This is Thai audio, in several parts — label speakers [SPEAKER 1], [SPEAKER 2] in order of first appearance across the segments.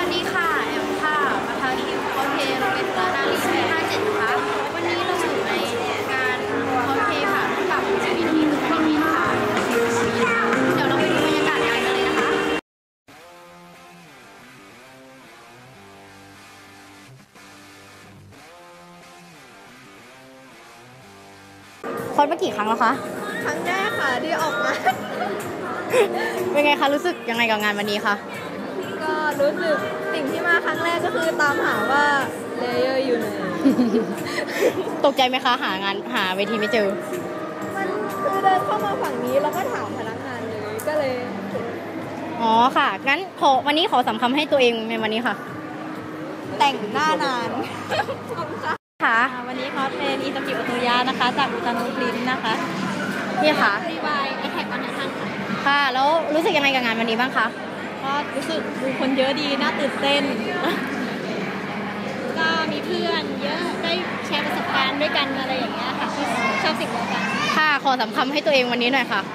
[SPEAKER 1] วัสดีค่ะแอมค่ะประธานทีมคอสเพลย์โรงเรียนสุรานารีปี57นะคะวันนี้เราอยู่ในงานคอสเพลย์ค่ะร่วมกับ LGBT ทุกคนค่ะเดี๋ยวเราไปดูบรรยากาศงานกันเลยนะคะคอสมากี่ครั้งแล้วคะ
[SPEAKER 2] ครั้งแรกค่ะที่ออกมา
[SPEAKER 1] เป็นไงคะรู้สึกยังไงกับงานวันนี้คะ
[SPEAKER 2] ก็รู้สึกสิ่งที่มาครั้งแรกก็คือตามหาว่าเลเยอร์อยู่ไหน
[SPEAKER 1] ตกใจไหมคะหาเวทีไม่เจอ
[SPEAKER 2] มันคือเดินเข้ามาฝั่งนี้แล้วก็ถามพนักงานเลยก็เลย
[SPEAKER 1] อ๋อค่ะงั้นวันนี้ขอสำคัญให้ตัวเองในวันนี้ค่ะ
[SPEAKER 2] แต่งหน้านาน
[SPEAKER 1] ค่ะ
[SPEAKER 2] วันนี้คอสเป็นอิตากิโอโตยะนะคะจากอุตานุปรินนะคะ
[SPEAKER 1] พี่ค่ะ
[SPEAKER 2] รีวายแท็กวันนั้นค่ะ
[SPEAKER 1] ค่ะแล้วรู้สึกยังไงกับงานวันนี้บ้างคะ
[SPEAKER 2] ก็รู้สึกดูคนเยอะดีน่าตื่นเต้นก็มีเพื่อนเยอะได้แชร์ประสบการณ์ด้วยกันอะไรอย่างเงี้ยค่ะชอบสิ่งเดียวกัน
[SPEAKER 1] ค่ะขอสำคัญให้ตัวเองวันนี้หน่อยค่ะ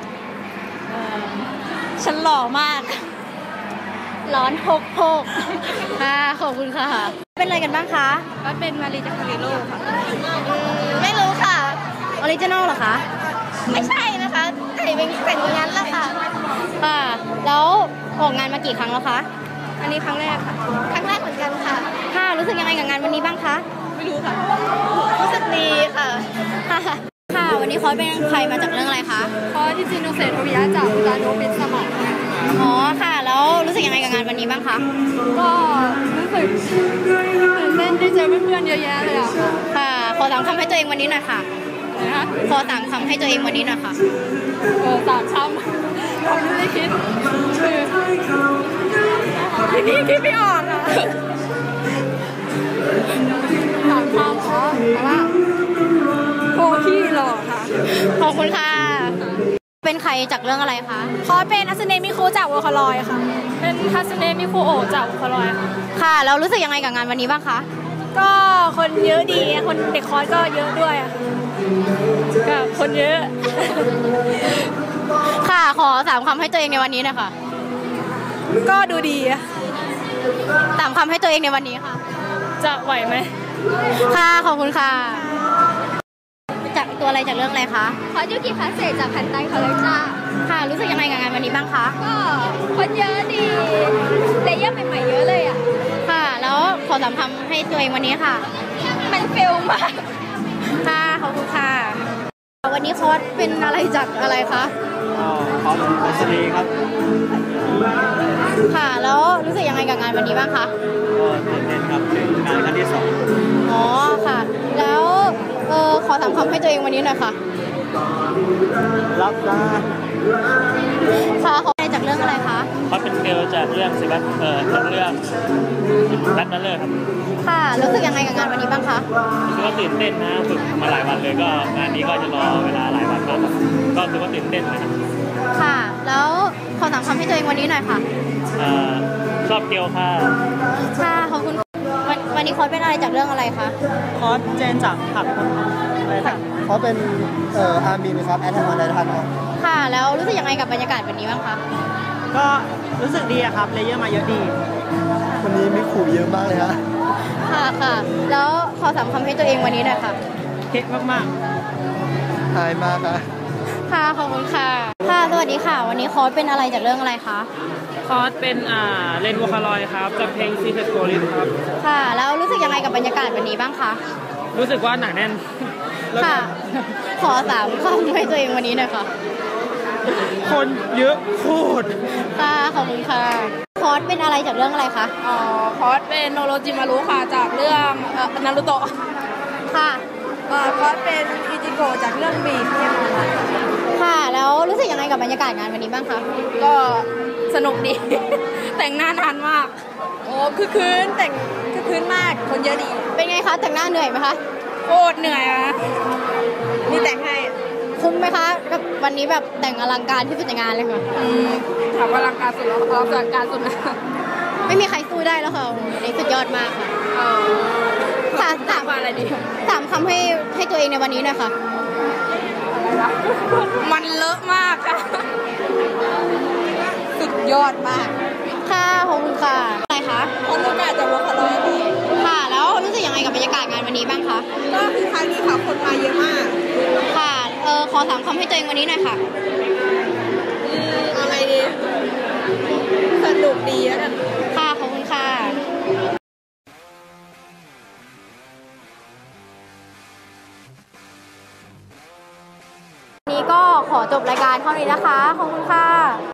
[SPEAKER 2] ฉันหล่อมากร้อนโพก
[SPEAKER 1] ค่ะขอบคุณค่ะเป็นอะไรกันบ้างคะ
[SPEAKER 2] ก็เป็นมารีจากคาริโลค่ะ
[SPEAKER 1] ไม่รู้ค่ะออริจินอลเหรอคะ
[SPEAKER 2] ไม่ใช่นะคะแต่เป็นอย่างนั้นแหละค่ะ
[SPEAKER 1] ค่ะแล้วออกงานมากี่ครั้งแล้วคะ
[SPEAKER 2] อันนี้ครั้งแรกค่ะครั้งแรกเหมือนกันค่ะ
[SPEAKER 1] ค่ะรู้สึกยังไงกับงานวันนี้บ้างคะ
[SPEAKER 2] ไม่รู้ค่ะรู้สึกดีค่ะ
[SPEAKER 1] ค่ะวันนี้คอสเป็นใครมาจากเรื่องอะไรคะ
[SPEAKER 2] คอสที่จิโนเซโทวิยะจากอุตานุปินสมอง
[SPEAKER 1] อ๋อค่ะแล้วรู้สึกยังไงกับงานวันนี้บ้างคะ
[SPEAKER 2] ก็รู้สึกตื่นเต้นที่เจอเพื่อนๆเยอะแยะเลยอะ
[SPEAKER 1] ค่ะขอ3 คำให้ตัวเองวันนี้หน่อยค่ะ
[SPEAKER 2] นะคะ
[SPEAKER 1] ขอ3 คำให้ตัวเองวันนี้หน่อยค่ะ
[SPEAKER 2] 3 คำเราไม่ได้คิดคือคิดไม่ออกอะ3 คำอ๋อแต่ว่าโคที่หล่อค่ะ
[SPEAKER 1] ขอบคุณค่ะเป็นใครจากเรื่องอะไรคะ
[SPEAKER 2] คอสเป็นทัศเนมิคุจากวอลคาลอยค่ะเป็นทัศเนมิคุโอจากวอลคาลอยค่ะ
[SPEAKER 1] ค่ะแล้วรู้สึกยังไงกับงานวันนี้บ้างคะ
[SPEAKER 2] ก็คนเยอะดีคนเด็กคอสก็เยอะด้วยก็คนเยอะ
[SPEAKER 1] ค่ะขอ3 คำให้ตัวเองในวันนี้นะคะ
[SPEAKER 2] ก็ดูดี
[SPEAKER 1] 3 คำให้ตัวเองในวันนี้ค่ะ
[SPEAKER 2] จะไหวไหม
[SPEAKER 1] ค่ะขอบคุณค่ะจากตัวอะไรจากเรื่องอะไรคะ
[SPEAKER 2] คอสยูกิคาเซจากพันไตคอลเลกจ้า
[SPEAKER 1] ค่ะรู้สึกยังไงกับงานวันนี้บ้างคะ
[SPEAKER 2] ก็คนเยอะดีเลเยอร์ใหม่ๆเยอะเลยอ่ะ
[SPEAKER 1] ค่ะแล้วขอ3 คำให้ตัวเองวันนี้ค่ะ
[SPEAKER 2] มันเฟลมาก
[SPEAKER 1] ค่ะขอบคุณค่ะวันนี้คอสเป็นอะไรจากอะไรคะ
[SPEAKER 3] คอสเป็นสตรีครับ
[SPEAKER 1] ค่ะแล้วรู้สึกยังไงกับงานวันนี้บ้างคะ
[SPEAKER 3] ก็ตื่นเต้นครับถึงงานครั้งที่2
[SPEAKER 1] อ๋อค่ะแล้วขอ3 คำให้ตัวเองวันนี้หน่อยค่ะ
[SPEAKER 3] รับได้
[SPEAKER 1] ค่ะขออะไรจากเรื่องอะไรคะ
[SPEAKER 3] คอสเป็นเกลจากเรื่องจากเรื่องแบทเนอร์ครับ
[SPEAKER 1] ค่ะรู้สึกยังไงกับงานวันนี้บ้างคะ
[SPEAKER 3] รู้สึกว่าตื่นเต้นนะฝึกมาหลายวันเลยก็งานนี้ก็จะรอเวลาหลายวันมากก็รู้สึกว่าตื่นเต้นนะครับ
[SPEAKER 1] ค่ะแล้วขอ3 คำให้ตัวเองวันนี้หน่อยค่ะ
[SPEAKER 3] ชอบเกลค่ะ
[SPEAKER 1] ค่ะขอบคุณวันนี้คอสเป็นอะไรจากเรื่องอะไรคะ
[SPEAKER 3] คอสเจนจากผัก
[SPEAKER 4] เขาเป็นอาร์มินครับแอทแทคออนไททัน
[SPEAKER 1] ค่ะแล้วรู้สึกยังไงกับบรรยากาศวันนี้บ้างคะ
[SPEAKER 3] ก็รู้สึกดีครับเลเยอร์มาเยอะดี
[SPEAKER 4] วันนี้มีขู่เยอะมากเลยฮะ
[SPEAKER 1] ค่ะแล้วขอ3 คำให้ตัวเองวันนี้หน่อยค่ะ
[SPEAKER 3] เก่งมาก
[SPEAKER 4] หายมาก
[SPEAKER 1] ค่ะขอบคุณค่ะค่ะสวัสดีค่ะวันนี้คอสเป็นอะไรจากเรื่องอะไรคะ
[SPEAKER 3] คอสเป็นเลนวอคาลอยครับจากเพลงซีเทสโกลิสครับ
[SPEAKER 1] ค่ะแล้วรู้สึกยังไงกับบรรยากาศวันนี้บ้างคะ
[SPEAKER 3] รู้สึกว่าหนาแน่น
[SPEAKER 1] ค่ะขอ3 คำให้ตัวเองวันนี้หน่อยค่ะ
[SPEAKER 3] คนเยอะโคตร
[SPEAKER 1] ค่ะขอบคุณค่ะคอสเป็นอะไรจากเรื่องอะไรคะ
[SPEAKER 2] คอสเป็นโนโรจิมารุค่ะจากเรื่องนารูโตะ
[SPEAKER 1] ค่ะ
[SPEAKER 2] คอสเป็นอิจิโกะจากเรื่องบีฟ
[SPEAKER 1] ค่ะแล้วรู้สึกยังไงกับบรรยากาศงานวันนี้บ้างคะ
[SPEAKER 2] ก็สนุกดี แต่งหน้านานมากโอ้คือคืนแต่งคือคืนมากคนเยอะดี
[SPEAKER 1] เป็นไงคะแต่งหน้าเหนื่อยไหมคะ
[SPEAKER 2] โคตรเหนื่อยอะมีแต่งให้
[SPEAKER 1] คุ้มไหมคะกับวันนี้แบบแต่งอลังการที่สุดในงานเลยค่ะ
[SPEAKER 2] ถามว่าอลังการสุดแล้วอลังการสุดนะ
[SPEAKER 1] ไม่มีใครสู้ได้แล้วค่ะนี่สุดยอดมากค่ะ
[SPEAKER 2] ถามว่าอะไรดี
[SPEAKER 1] 3 คำให้ตัวเองในวันนี้หน่อยค่ะ
[SPEAKER 2] มันเลอะมากค่ะสุดยอดมาก
[SPEAKER 1] ค่ะขอบคุณค่ะอะไรคะ
[SPEAKER 2] ของหนูก็คือครั้งนี้ค่ะคนมาเยอะมาก
[SPEAKER 1] ค่ะ ขอถามคำให้ตัวเองวันนี้หน่อยค่ะ
[SPEAKER 2] เอาไงดีสนุกดีแล้วกัน
[SPEAKER 1] ค่ะ ขอบคุณค่ะ นี้ก็ขอจบรายการเท่านี้นะคะ ขอบคุณค่ะ